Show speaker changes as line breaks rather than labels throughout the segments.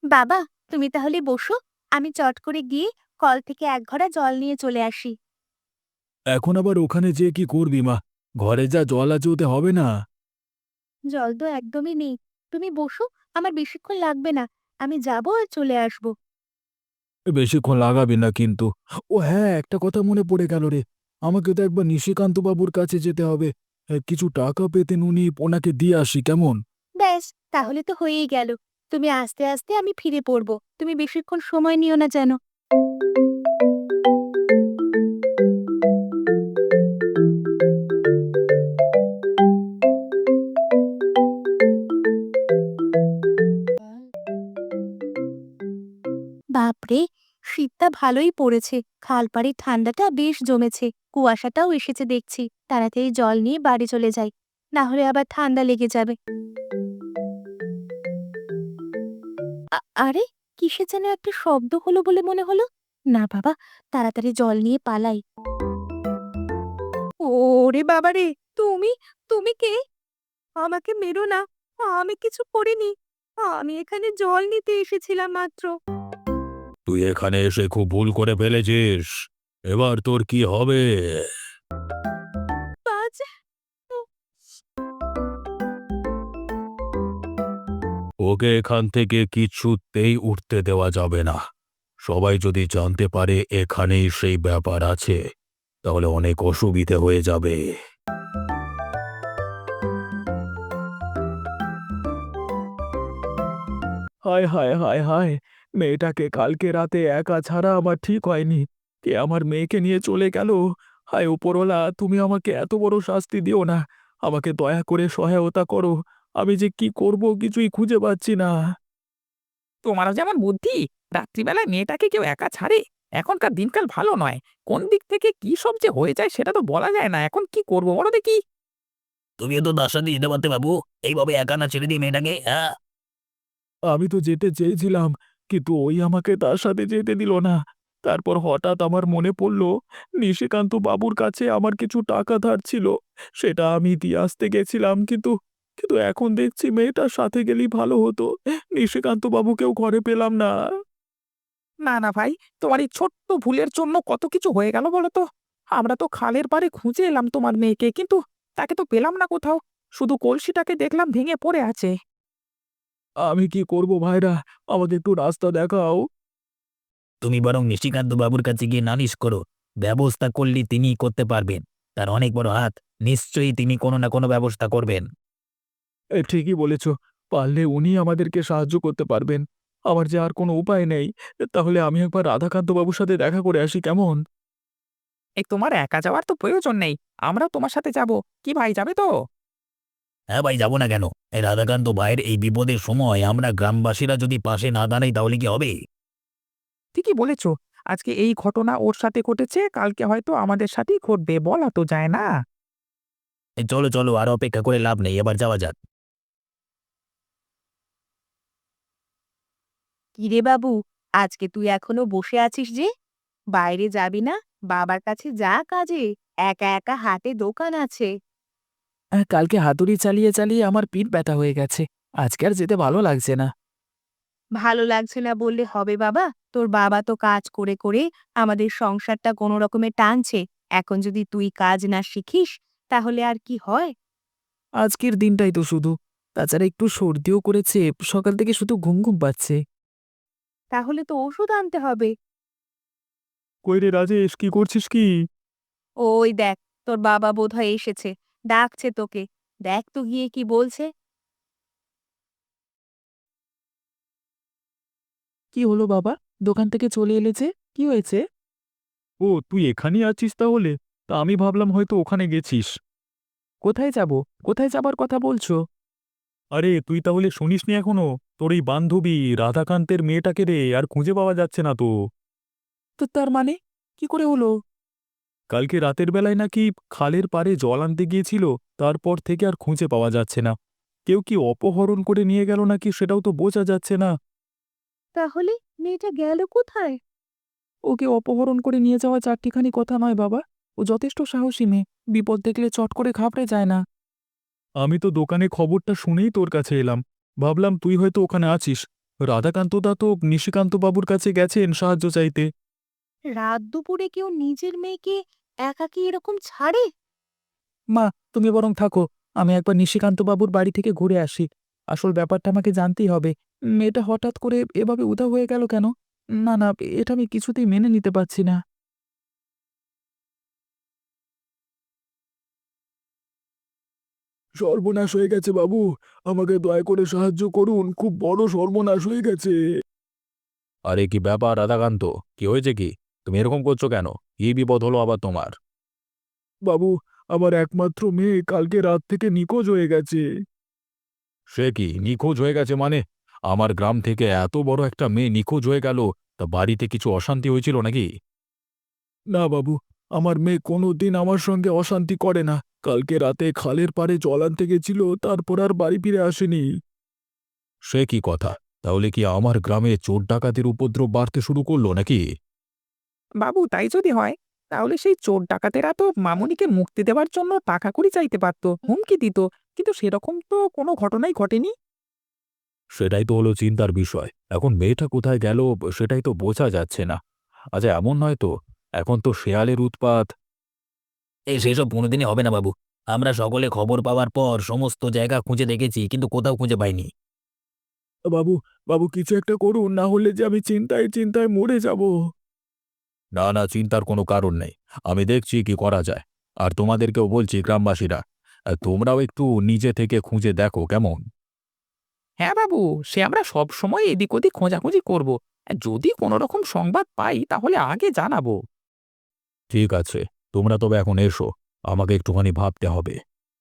বাবা, তুমি তাহলে বসো, আমি চট করে গিয়ে কল থেকে এক ঘড়া জল নিয়ে চলে আসি।
এখন আবার ওখানে যেয়ে কি করবি মা? ঘরে যা জল আছে ওতে হবে না।
জল তো একদমই নেই। তুমি বসো, আমার বেশিক্ষণ লাগবে না। আমি যাবো আর চলে আসবো।
বেশিক্ষণ লাগাবি না কিন্তু। ও হ্যাঁ, একটা কথা মনে পড়ে গেল রে। আমাকে তো একবার নিশিকান্ত বাবুর কাছে যেতে হবে। কিছু টাকা পেতেন উনি, ওনাকে দিয়ে আসি কেমন?
ব্যাস, তাহলে তো হয়েই গেল। তুমি আস্তে আস্তে আমি ফিরে পড়বো। তুমি বেশিক্ষণ সময় নিও না যেন। বাপরে, শীতটা ভালোই পড়েছে। খালপাড়ের ঠান্ডাটা বেশ জমেছে। কুয়াশাটাও এসেছে দেখছি। তাড়াতাড়ি জল নিয়ে বাড়ি চলে যাই, না হলে আবার ঠান্ডা লেগে যাবে। আরে, কিসের যেন একটা শব্দ হলো বলে মনে হলো। না বাবা, তাড়াতাড়ি জল নিয়ে পালাই। ওরে বাবা রে! তুমি তুমি কে? আমাকে মেরো না। আমি কিছু করিনি। আমি এখানে জল নিতে এসেছিলাম মাত্র।
তুই এখানে এসে খুব ভুল করে ফেলেছিস। এবার তোর কি হবে?
বাজ!
ওকে এখান থেকে কিছুতেই উঠতে দেওয়া যাবে না। সবাই যদি জানতে পারে এখানেই সেই ব্যাপার আছে, তাহলে অনেক অসুবিধে হয়ে যাবে। হায় হায় হায় হায়! মেয়েটাকে কালকে রাতে একা ছাড়া আমার ঠিক হয়নি। কে আমার মেয়েকে নিয়ে চলে গেল? হায় উপরওয়ালা, তুমি আমাকে এত বড় শাস্তি দিও না। আমাকে দয়া করে সহায়তা করো। আমি যে কি করব কিছুই খুঁজে পাচ্ছি না।
তোমারও যেমন বুদ্ধি! রাত্রিবেলায় মেয়েটাকে কেউ একা ছাড়ে? এখনকার দিনকাল ভালো নয়। কোন দিক থেকে কি সব যে হয়ে যায় সেটা তো বলা যায় না। এখন কি করবো বলো দেখি?
তুমিও তো তার সাথে যেতে পারতে বাবু। এইভাবে একা না ছেড়ে দিই মেয়েটাকে, হ্যাঁ?
আমি তো যেতে চেয়েছিলাম, কিন্তু ওই আমাকে তার সাথে যেতে দিল না। তারপর হঠাৎ আমার মনে পড়ল, নিশিকান্ত বাবুর কাছে আমার কিছু টাকা ধার ছিল। সেটা আমি দিয়ে আসতে গেছিলাম, কিন্তু কিন্তু এখন দেখছি মেয়েটার সাথে গেলেই ভালো হতো। নিশিকান্ত বাবুকেও ঘরে পেলাম না।
না না ভাই, তোমার এই ছোট্ট ভুলের জন্য কত কিছু হয়ে গেল বলো তো। আমরা তো খালের পাড়ে খুঁজে এলাম তোমার মেয়েকে, কিন্তু তাকে তো পেলাম না কোথাও। শুধু কলসিটাকে দেখলাম ভেঙে পড়ে আছে।
আমি কি করব ভাইরা? আমাকে একটু রাস্তা দেখাও।
তুমি বরং নিশিকান্ত বাবুর কাছে গিয়ে নালিশ করো। ব্যবস্থা করলে তিনিই করতে পারবেন। তার অনেক বড় হাত। নিশ্চয়ই তিনি কোনো না কোনো ব্যবস্থা করবেন।
ঠিকই বলেছ। পারলে উনি আমাদেরকে সাহায্য করতে পারবেন। আমার যে আর কোনো উপায় নেই। তাহলে আমি একবার রাধাকান্ত বাবুর সাথে দেখা করে আসি কেমন?
এই তোমার একা যাওয়ার তো প্রয়োজন নেই। আমরাও তোমার সাথে যাব। কি ভাই, যাবে তো?
হ্যাঁ ভাই, যাবো না কেন? এই রাধাকান্ত ভাইয়ের এই বিপদের সময় আমরা গ্রামবাসীরা যদি পাশে না দাঁড়াই তাহলে কি হবে?
ঠিকই বলেছ। আজকে এই ঘটনা ওর সাথে ঘটেছে, কালকে হয়তো আমাদের সাথেই ঘটবে, বলা তো যায় না।
এই চলো চলো, আর অপেক্ষা করে লাভ নেই, এবার যাওয়া যাক।
কিরে বাবু, আজকে তুই এখনো বসে আছিস যে? বাইরে যাবি না? বাবার কাছে যা কাজে। একা একা হাতে দোকান আছে।
কালকে হাতুড়ি চালিয়ে চালিয়ে আমার পিঠ ব্যথা হয়ে গেছে। আজকে আর যেতে ভালো লাগছে না।
ভালো লাগছে না বললে হবে বাবা? তোর বাবা তো কাজ করে করে আমাদের সংসারটা কোনো রকমে টানছে। এখন যদি তুই কাজ না শিখিস, তাহলে আর কি হয়?
আজকের দিনটাই তো শুধু। তাছাড়া একটু সর্দিও করেছে, সকাল থেকে শুধু ঘুম ঘুম পাচ্ছে।
তাহলে তো ওষুধ আনতে হবে।
কই রে রাজেশ, কি করছিস কি?
ওই দেখ, তোর বাবা বোধহয় এসেছে। ডাকছে তোকে। দেখ তো গিয়ে কি বলছে।
কি হলো বাবা? দোকান থেকে চলে এলে যে? কি হয়েছে?
ও তুই এখানেই আছিস তাহলে? তা আমি ভাবলাম হয়তো ওখানে গেছিস।
কোথায় যাব? কোথায় যাবার কথা বলছো?
আরে তুই তাহলে শুনিসনি এখনো? তোর এই বান্ধবী রাধাকান্তের মেয়েটাকে রে আর খুঁজে পাওয়া যাচ্ছে না তো।
তো তার মানে কি করে হলো?
কালকে রাতের বেলায় নাকি খালের পাড়ে জল আনতে গিয়েছিল, তারপর থেকে আর খুঁজে পাওয়া যাচ্ছে না। কেউ কি অপহরণ করে নিয়ে গেল নাকি সেটাও তো বোঝা যাচ্ছে না।
তাহলে মেয়েটা গেল কোথায়?
ওকে অপহরণ করে নিয়ে যাওয়া চারটিখানি কথা নয় বাবা। ও যথেষ্ট সাহসী মেয়ে। বিপদ দেখলে চট করে ঘাবড়ে যায় না।
আমি তো দোকানে খবরটা শুনেই তোর কাছে এলাম। ভাবলাম তুই হয়তো ওখানে আছিস। রাধাকান্তদা তো নিশিকান্ত বাবুর কাছে গেছেন সাহায্য চাইতে।
রাত দুপুরে কেউ নিজের মেয়েকে একাকী এরকম ছাড়ে?
মা, তুমি বরং থাকো, আমি একবার নিশিকান্ত বাবুর বাড়ি থেকে ঘুরে আসি। আসল ব্যাপারটা আমাকে জানতেই হবে। মেয়েটা হঠাৎ করে এভাবে উধাও হয়ে গেল কেন? না না, এটা আমি কিছুতেই মেনে নিতে পারছি না।
সর্বনাশ হয়ে গেছে বাবু, আমাকে দয়া করে সাহায্য করুন, খুব বড় সর্বনাশ হয়ে গেছে। আরে কি ব্যাপার রাধাকান্ত, কি হয়েছে কি? তুমি এরকম করছো কেন? কি বিপদ হলো আবার তোমার? বাবু, আমার একমাত্র মেয়ে কালকে রাত থেকে নিখোঁজ হয়ে গেছে। সে কি নিখোঁজ হয়ে গেছে মানে? আমার গ্রাম থেকে এত বড় একটা মেয়ে নিখোঁজ হয়ে গেল, তা বাড়িতে কিছু অশান্তি হয়েছিল নাকি? না বাবু, আমার মেয়ে কোনোদিন আমার সঙ্গে অশান্তি করে না। কালকে রাতে খালের পাড়ে জল আনতে গেছিল, তারপর আর বাড়ি ফিরে আসেনি। সে কি কথা? তাহলে কি আমার গ্রামে চোর ডাকাতির উপদ্রব বাড়তে শুরু করলো নাকি?
বাবু, তাই যদি হয় তাহলে সেই চোর ডাকাতেরা তো মামুনিকে মুক্তি দেওয়ার জন্য টাকা কড়ি চাইতে পারতো, হুমকি দিত, কিন্তু সেরকম তো কোনো ঘটনাই ঘটেনি।
সেটাই তো হলো চিন্তার বিষয়। এখন মেয়েটা কোথায় গেল সেটাই তো বোঝা যাচ্ছে না। আচ্ছা, এমন নয় তো, এখন তো শেয়ালের উৎপাত।
সেসব কোনোদিনই হবে না বাবু। আমরা সকলে খবর পাওয়ার পর সমস্ত জায়গা খুঁজে দেখেছি, কিন্তু কোথাও খুঁজে পাইনি।
বাবু, বাবু কিছু একটা করুন, না হলে যে আমি চিন্তায় চিন্তায় মরে যাব। না না, চিন্তার কোনো কারণ নেই। আমি দেখছি কি করা যায়। আর তোমাদেরকেও বলছি গ্রামবাসীরা, তোমরাও একটু নিজে থেকে খুঁজে দেখো কেমন।
হ্যাঁ বাবু, সে আমরা সব সময় এদিক ওদিক খোঁজাখুঁজি করব। যদি কোনো রকম সংবাদ পাই তাহলে আগে জানাবো।
ঠিক আছে, তোমরা তবে এখন এসো, আমাকে একটুখানি ভাবতে হবে।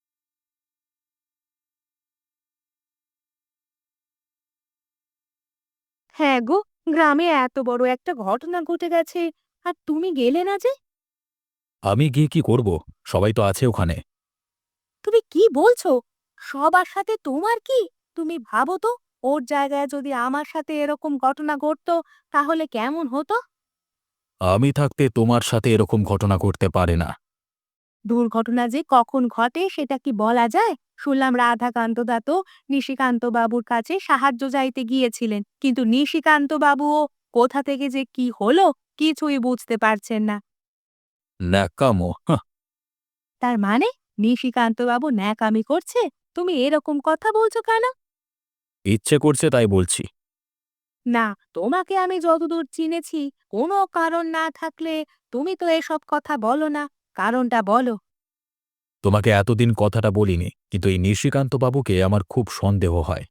হ্যাঁ গো, গ্রামে এত বড় একটা ঘটনা ঘটে গেছে, আর তুমি গেলে না যে?
আমি গিয়ে কি করব? সবাই তো আছে ওখানে।
তুমি কি বলছো? সবার সাথে তোমার কি? তুমি ভাবো তো, ওর জায়গায় যদি আমার সাথে এরকম ঘটনা ঘটতো, তাহলে কেমন হতো?
আমি থাকতে তোমার সাথে এরকম ঘটনা ঘটতে পারে না।
দুর্ঘটনা যে কখন ঘটে সেটা কি বলা যায়? শুনলাম রাধাকান্ত দা তো নিশিকান্ত বাবুর কাছে সাহায্য চাইতে গিয়েছিলেন, কিন্তু নিশিকান্ত বাবুও কোথা থেকে যে কি হলো কিছুই বুঝতে পারছেন না।
ন্যাকামো, হাহ।
তার মানে নিশিকান্ত বাবু ন্যাকামি করছে? তুমি এরকম কথা বলছো কেন?
ইচ্ছে করছে তাই বলছি।
না, তোমাকে আমি যতদূর চিনেছি, কোনো কারণ না থাকলে তুমি তো এসব কথা বলো না। কারণটা বলো।
তোমাকে এতদিন কথাটা বলিনি, কিন্তু এই নিশিকান্ত বাবুকে আমার খুব সন্দেহ হয়।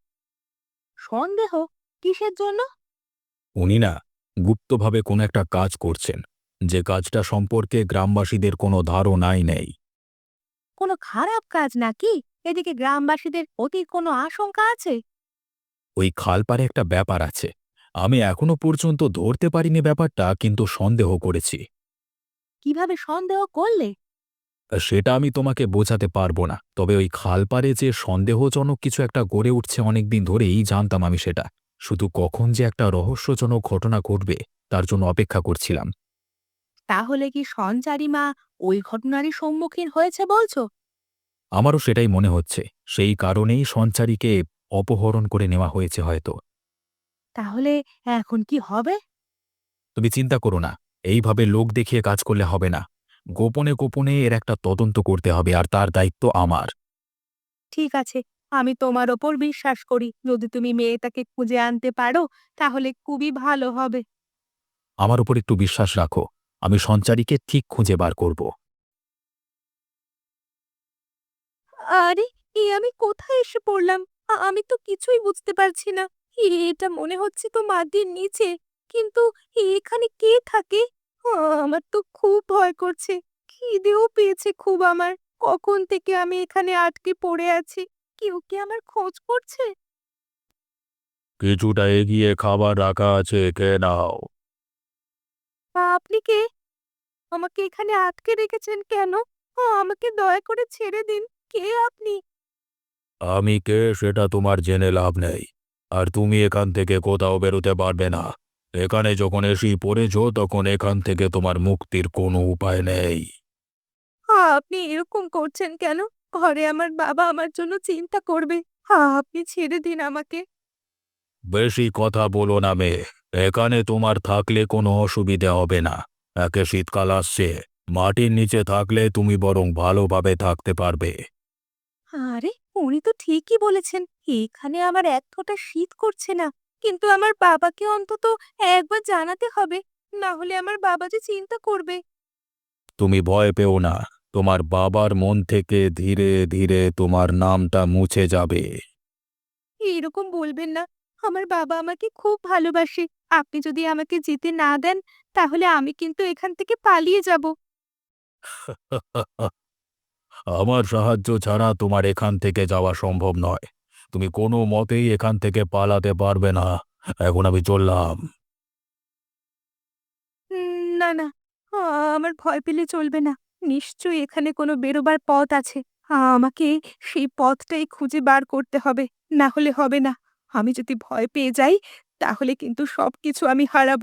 সন্দেহ? কিসের জন্য?
উনি না গুপ্তভাবে কোনো একটা কাজ করছেন, যে কাজটা সম্পর্কে গ্রামবাসীদের কোনো ধারণাই নেই।
কোনো খারাপ কাজ নাকি? এদিকে গ্রামবাসীদের অতির কোনো আশঙ্কা আছে?
ওই খালপাড়ে একটা ব্যাপার আছে। আমি এখনো পর্যন্ত ধরতে পারিনি ব্যাপারটা, কিন্তু সন্দেহ করেছি।
কিভাবে সন্দেহ করলে?
সেটা আমি তোমাকে বোঝাতে পারবো না, তবে ওই খালপাড়ে যে সন্দেহজনক কিছু একটা গড়ে উঠছে অনেকদিন ধরেই জানতাম আমি সেটা। শুধু কখন যে একটা রহস্যজনক ঘটনা ঘটবে তার জন্য অপেক্ষা করছিলাম।
তাহলে কি সঞ্চারী মা ওই ঘটনারই সম্মুখীন হয়েছে বলছো?
আমারও সেটাই মনে হচ্ছে। সেই কারণেই সঞ্চারীকে অপহরণ করে নেওয়া হয়েছে হয়তো।
তাহলে এখন কি হবে?
তুমি চিন্তা করো না, এইভাবে লোক দেখিয়ে কাজ করলে হবে না। গোপনে গোপনে এর একটা তদন্ত করতে হবে, আর তার দায়িত্ব আমার।
ঠিক আছে, আমি তোমার ওপর বিশ্বাস করি। যদি তুমি মেয়েটাকে খুঁজে আনতে পারো, তাহলে খুবই ভালো হবে।
আমার উপর একটু বিশ্বাস রাখো, আমি সঞ্চারীকে ঠিক খুঁজে বার করব।
আরে, আমি কোথায় এসে পড়লাম? আমি তো কিছুই বুঝতে পারছি না। এটা মনে হচ্ছে তো মাটির নিচে, কিন্তু এখানে কে থাকে? আ, আমার তো খুব ভয় করছে। খিদেও পেয়েছে খুব আমার। কখন থেকে আমি এখানে আটকে পড়ে আছি। কেউ কি আমার খোঁজ করছে?
কিছুটা এগিয়ে খাবার রাখা আছে, খেয়ে নাও।
আপনি কে? আমাকে এখানে আটকে রেখেছেন কেন? আমাকে দয়া করে ছেড়ে দিন। কে আপনি?
আমি কে সেটা তোমার জেনে লাভ নেই, আর তুমি এখান থেকে কোথাও বেরোতে পারবে না। এখানে যখন এসেই পড়েছ, তখন এখান থেকে তোমার মুক্তির কোনো উপায় নেই।
আপনি এরকম করছেন কেন? ঘরে আমার বাবা আমার জন্য চিন্তা করবে। আপনি ছেড়ে দিন আমাকে।
বেশি কথা বলো না মেয়ে, এখানে তোমার থাকলে কোনো অসুবিধে হবে না। একে শীতকাল আসছে, মাটির নিচে থাকলে তুমি বরং ভালোভাবে থাকতে পারবে।
আরে উনি তো ঠিকই বলেছেন, এখানে আমার এক ফোঁটা শীত করছে না। কিন্তু আমার বাবাকে অন্তত একবার জানাতে হবে, না হলে আমার বাবা যে চিন্তা করবে।
তুমি ভয় পেও না, তোমার বাবার মন থেকে ধীরে ধীরে তোমার নামটা মুছে যাবে।
এরকম বলবেন না, আমার বাবা আমাকে খুব ভালোবাসে। আপনি যদি আমাকে যেতে না দেন, তাহলে আমি কিন্তু এখান থেকে পালিয়ে যাব।
আমার সাহায্য ছাড়া তোমার এখান থেকে যাওয়া সম্ভব নয়। তুমি কোনো মতেই এখান থেকে পালাতে পারবে না। এখন আমি চললাম।
না, না, আমার ভয় পেলে চলবে না। নিশ্চয়ই এখানে কোনো বেরোবার পথ আছে। আমাকে সেই পথটাই খুঁজে বার করতে হবে, না হলে হবে না। আমি যদি ভয় পেয়ে যাই, তাহলে কিন্তু সবকিছু আমি হারাবো।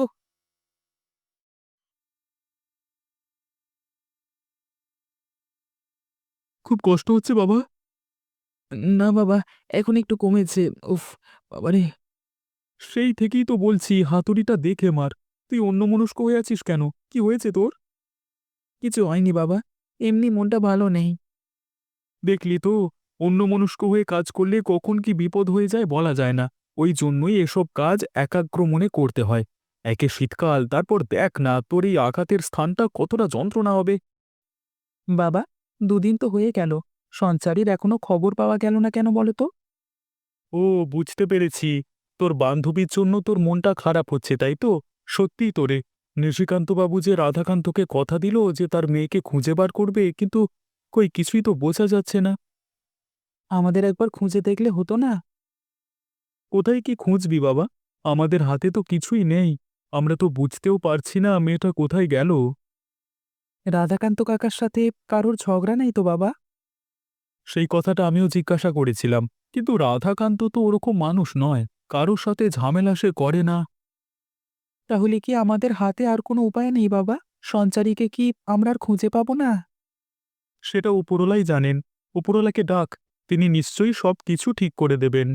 খুব কষ্ট হচ্ছে বাবা?
না বাবা, এখন একটু কমেছে। উফ, বাবারে!
সেই থেকেই তো বলছি হাতুড়িটা দেখে মার। তুই অন্যমনস্ক হয়ে আছিস কেন? কি হয়েছে তোর?
কিছু হয়নি বাবা, এমনি মনটা ভালো নেই।
দেখলি তো, অন্যমনস্ক হয়ে কাজ করলে কখন কি বিপদ হয়ে যায় বলা যায় না। ওই জন্যই এসব কাজ একাগ্র মনে করতে হয়। একে শীতকাল, তারপর দেখ না তোর এই আঘাতের স্থানটা কতটা যন্ত্রণা হবে।
বাবা, দুদিন তো হয়ে গেল, সঞ্চারীর এখনো খবর পাওয়া গেল না কেন বলো তো?
ও, বুঝতে পেরেছি। তোর বান্ধবীর জন্য তোর মনটা খারাপ হচ্ছে, তাই তো? সত্যিই তো রে, নিশিকান্তবাবু যে রাধাকান্তকে কথা দিল যে তার মেয়েকে খুঁজে বার করবে, কিন্তু কই কিছুই তো বোঝা যাচ্ছে না।
আমাদের একবার খুঁজে দেখলে হতো না?
কোথায় কি খুঁজবি বাবা? আমাদের হাতে তো কিছুই নেই। আমরা তো বুঝতেও পারছি না মেয়েটা কোথায় গেল।
রাধাকান্ত কাকার সাথে কারোর ঝগড়া নেই তো বাবা?
সেই কথাটা আমিও জিজ্ঞাসা করেছিলাম, কিন্তু রাধাকান্ত তো ওরকম মানুষ নয়। কারোর সাথে ঝামেলা সে করে না।
তাহলে কি আমাদের হাতে আর কোনো উপায় নেই বাবা? সঞ্চারীকে কি আমরা আর খুঁজে পাবো না?
সেটা উপরওয়ালাই জানেন। উপরওয়ালাকে ডাক, তিনি নিশ্চয়ই সব কিছু ঠিক করে দেবেন।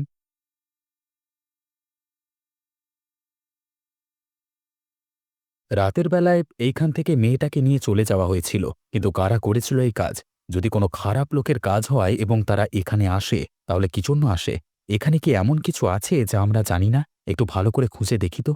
রাতের বেলায় এইখান থেকে মেয়েটাকে নিয়ে চলে যাওয়া হয়েছিল, কিন্তু কারা করেছিল এই কাজ? যদি কোনো খারাপ লোকের কাজ হয় এবং তারা এখানে আসে, তাহলে কি জন্য আসে? এখানে কি এমন কিছু আছে যা আমরা জানি না? একটু ভালো করে খুঁজে দেখি তো।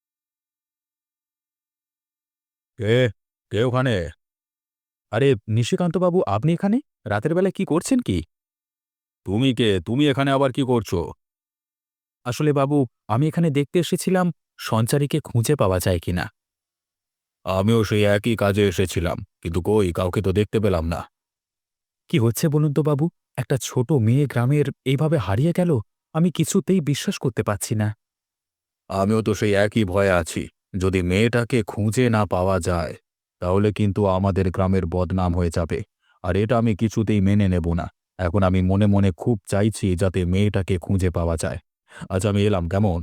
কে? কে ওখানে?
আরে নিশিকান্তবাবু, আপনি এখানে রাতের বেলায় কি করছেন কি?
তুমি কে? তুমি এখানে আবার কি করছো?
আসলে বাবু, আমি এখানে দেখতে এসেছিলাম সঞ্চারীকে খুঁজে পাওয়া যায় কিনা।
আমিও সেই একই কাজে এসেছিলাম, কিন্তু কই কাউকে তো দেখতে পেলাম না।
কি হচ্ছে বলুন তো বাবু? একটা ছোট মেয়ে গ্রামের এইভাবে হারিয়ে গেল, আমি কিছুতেই বিশ্বাস করতে পারছি না।
আমিও তো সেই একই ভয়ে আছি। যদি মেয়েটাকে খুঁজে না পাওয়া যায়, তাহলে কিন্তু আমাদের গ্রামের বদনাম হয়ে যাবে। আর এটা আমি কিছুতেই মেনে নেব না। এখন আমি মনে মনে খুব চাইছি যাতে মেয়েটাকে খুঁজে পাওয়া যায়। আজ আমি এলাম কেমন?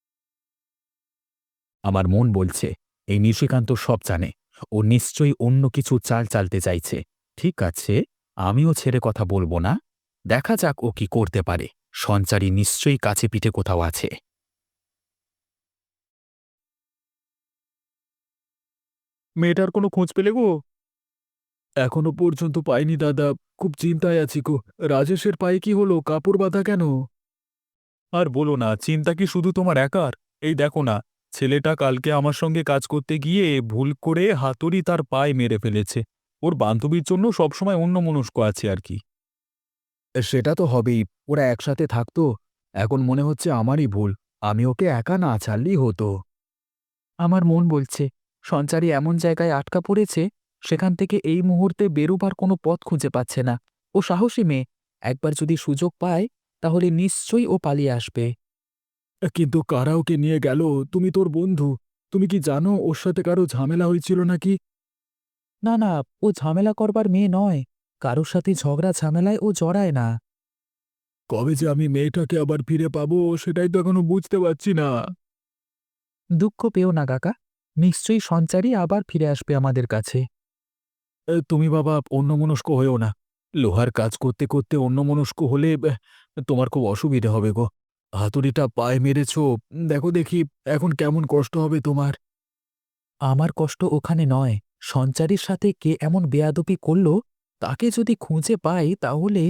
আমার মন বলছে এই নিশিকান্ত সব জানে, ও নিশ্চয়ই অন্য কিছু চাল চালতে চাইছে। ঠিক আছে, আমিও ছেড়ে কথা বলবো না। দেখা যাক ও কি করতে পারে। সঞ্চারী নিশ্চয়ই কাছে পিঠে কোথাও আছে।
মেয়েটার কোনো খোঁজ পেলে গো? এখনো পর্যন্ত পাইনি দাদা। খুব চিন্তায় আছি গো। রাজেশের পায়ে কি হলো? কাপড় বাঁধা কেন? আর বলো না, চিন্তা কি শুধু তোমার একার? এই দেখো না, ছেলেটা কালকে আমার সঙ্গে কাজ করতে গিয়ে ভুল করে হাতুড়ি তার পায়ে মেরে ফেলেছে। ওর বান্ধবীর জন্য সবসময় অন্যমনস্ক আছে আর কি।
সেটা তো হবেই, ওরা একসাথে থাকতো। এখন মনে হচ্ছে আমারই ভুল, আমি ওকে একা না ছাড়লেই হতো।
আমার মন বলছে সঞ্চারী এমন জায়গায় আটকা পড়েছে, সেখান থেকে এই মুহূর্তে বেরোবার কোনো পথ খুঁজে পাচ্ছে না। ও সাহসী মেয়ে, একবার যদি সুযোগ পায় তাহলে নিশ্চয়ই ও পালিয়ে আসবে।
কিন্তু কারা ওকে নিয়ে গেল? তুমি তোর বন্ধু, তুমি কি জানো ওর সাথে কারো ঝামেলা হয়েছিল নাকি?
না না, ও ঝামেলা করবার মেয়ে নয়। কারোর সাথে ঝগড়া ঝামেলায় ও জড়ায় না।
কবে যে আমি মেয়েটাকে আবার ফিরে পাবো সেটাই তো এখনো বুঝতে পারছি না।
দুঃখ পেও না কাকা, নিশ্চয়ই সঞ্চারী আবার ফিরে আসবে আমাদের কাছে।
তুমি বাবা অন্যমনস্ক হয়েও না। লোহার কাজ করতে করতে অন্যমনস্ক হলে তোমার খুব অসুবিধে হবে গো। হাতুড়িটা পায়ে মেরেছো, দেখো দেখি এখন কেমন কষ্ট হবে তোমার।
আমার কষ্ট ওখানে নয়, সঞ্চারীর সাথে কে এমন বেয়াদবি করল তাকে যদি খুঁজে পাই তাহলে।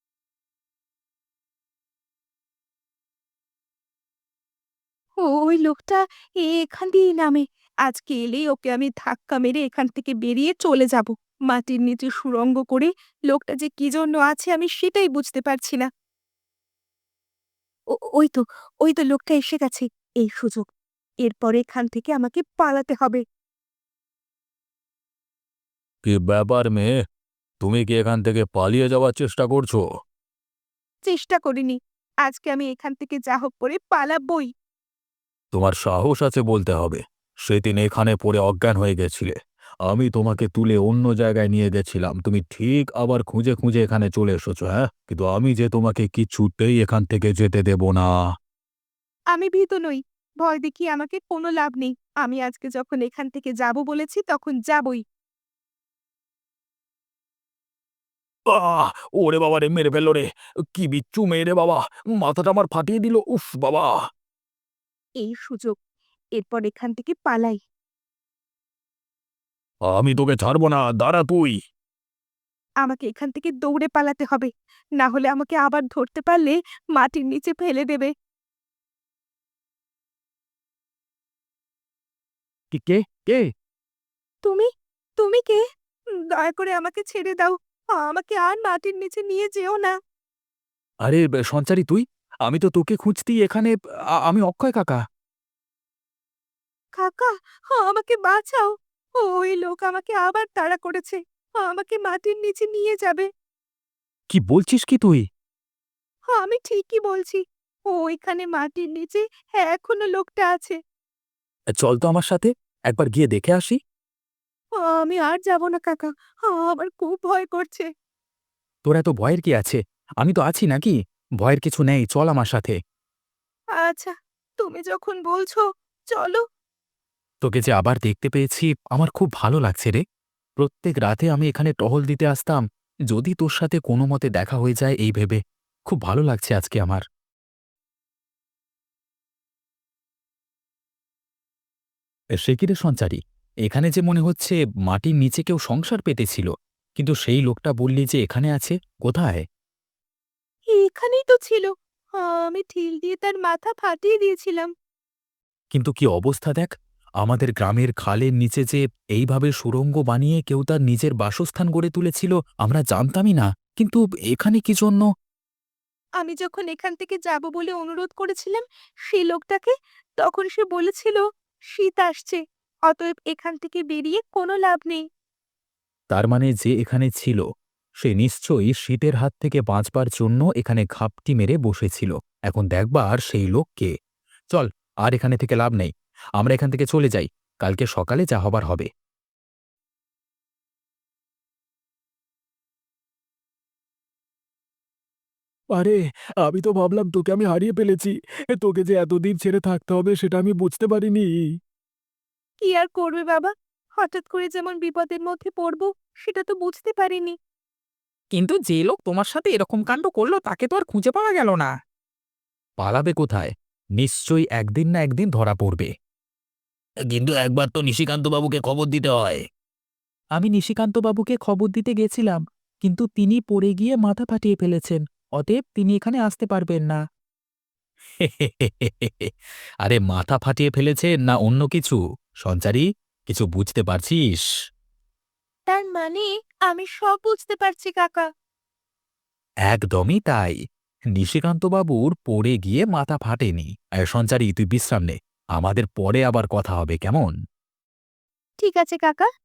ওই লোকটা এখান দিয়েই নামে। আজকে এলেই ওকে আমি ধাক্কা মেরে এখান থেকে বেরিয়ে চলে যাব। মাটির নিচে সুড়ঙ্গ করে লোকটা যে কি জন্য আছে আমি সেটাই বুঝতে পারছি না। ওই তো, ওই তো লোকটা এসে গেছে। এই সুযোগ। এরপর এখান থেকে আমাকে পালাতে হবে।
কি ব্যাপার মেয়ে, তুমি কি এখান থেকে পালিয়ে যাওয়ার চেষ্টা করছো?
চেষ্টা করিনি। আজকে আমি এখান থেকে যা হোক করে পালাবই।
তোমার সাহস আছে বলতে হবে। সেদিন এখানে পড়ে অজ্ঞান হয়ে গেছিলে, আমি তোমাকে তুলে অন্য জায়গায় নিয়ে গেছিলাম, তুমি ঠিক আবার খুঁজে খুঁজে এখানে চলে এসেছো। হ্যাঁ, কিন্তু আমি যে তোমাকে কিছুতেই এখান থেকে যেতে দেব না।
আমি ভীত নই। ভয় দেখিয়ে আমাকে কোনো লাভ নেই। আমি আজকে যখন এখান থেকে যাব বলেছি তখন যাবই।
আহ! ওরে বাবা রে, মেরে ফেললো রে! কি বিচ্ছু মেয়ে রে বাবা! মাথাটা আমার ফাটিয়ে দিল, উফ বাবা!
এই সুযোগ। এরপর এখান থেকে পালাই।
আমি তোকে ছাড়বো না, দাঁড়া তুই।
আমাকে এখান থেকে দৌড়ে পালাতে হবে। না হলে আমাকে আবার ধরতে পারলে মাটির নিচে ফেলে দেবে।
কি কে? কে?
তুমি? তুমি কে? দয়া করে আমাকে ছেড়ে দাও। আমাকে আর মাটির নিচে নিয়ে যেও না।
আরে সঞ্চারী তুই? আমি তো তোকে খুঁজতেই এখানে। আমি অক্ষয় কাকা।
কাকা, আমাকে বাঁচাও। ওই লোক আমাকে আবার তাড়া করেছে। আমাকে মাটির নিচে নিয়ে যাবে।
কি বলছিস কি তুই?
আমি ঠিকই বলছি। ওইখানে মাটির নিচে এখনো লোকটা আছে।
চল তো আমার সাথে, একবার গিয়ে দেখে আসি।
আমি আর যাব না কাকা। আমার খুব ভয় করছে।
তোর এত ভয়ের কি আছে? আমি তো আছি নাকি? ভয়ের কিছু নেই, চল আমার সাথে।
আচ্ছা, তুমি যখন বলছো চলো।
তোকে যে আবার দেখতে পেয়েছি আমার খুব ভালো লাগছে রে। প্রত্যেক রাতে আমি এখানে টহল দিতে আসতাম, যদি তোর সাথে কোনো মতে দেখা হয়ে যায় এই ভেবে। খুব ভালো লাগছে আজকে আমার। সে কি রে সঞ্চারী, এখানে যে মনে হচ্ছে মাটির নিচে কেউ সংসার পেতেছিল, কিন্তু সেই লোকটা বললি যে এখানে আছে, কোথায়?
এখানেই তো ছিল। আমি ঢিল দিয়ে তার মাথা ফাটিয়ে দিয়েছিলাম।
কিন্তু কি অবস্থা দেখ, আমাদের গ্রামের খালের নিচে যে এইভাবে সুড়ঙ্গ বানিয়ে কেউ তার নিজের বাসস্থান গড়ে তুলেছিল আমরা জানতামই না, কিন্তু এখানে কি জন্য?
আমি যখন এখান থেকে যাব বলে অনুরোধ করেছিলাম সেই লোকটাকে, তখন সে বলেছিল শীত আসছে, অতএব এখান থেকে বেরিয়ে কোনো লাভ নেই।
তার মানে যে এখানে ছিল সে নিশ্চয়ই শীতের হাত থেকে বাঁচবার জন্য এখানে ঘাপটি মেরে বসেছিল। এখন দেখবার সেই লোককে। চল, আর এখানে থেকে লাভ নেই, আমরা এখান থেকে চলে যাই, কালকে সকালে যা হবার হবে।
আরে, আমি তো ভাবলাম তোকে আমি হারিয়ে ফেলেছি। তোকে যে এতদিন ছেড়ে থাকতে হবে সেটা আমি বুঝতে পারিনি।
কি আর করবে বাবা, হঠাৎ করে যেমন বিপদের মধ্যে পড়ব সেটা তো বুঝতে পারিনি।
কিন্তু যে লোক তোমার সাথে এরকম কাণ্ড করলো তাকে তো আর খুঁজে পাওয়া গেল না।
পালাবে কোথায়? নিশ্চয়ই একদিন না একদিন ধরা পড়বে।
কিন্তু একবার তো নিশিকান্তবাবুকে খবর দিতে হয়।
আমি নিশিকান্তবাবুকে খবর দিতে গেছিলাম, কিন্তু তিনি পড়ে গিয়ে মাথা ফাটিয়ে ফেলেছেন। অতএব তিনি এখানে আসতে পারবেন না।
আরে মাথা ফাটিয়ে ফেলেছে না অন্য কিছু? সঞ্চারী, কিছু বুঝতে পারছিস?
তার মানে আমি সব বুঝতে পারছি কাকা।
একদমই তাই। নিশিকান্তবাবুর পড়ে গিয়ে মাথা ফাটেনি। সঞ্চারী তুই বিশ্রাম নে, আমাদের পরে আবার কথা হবে, কেমন?
ঠিক আছে কাকা।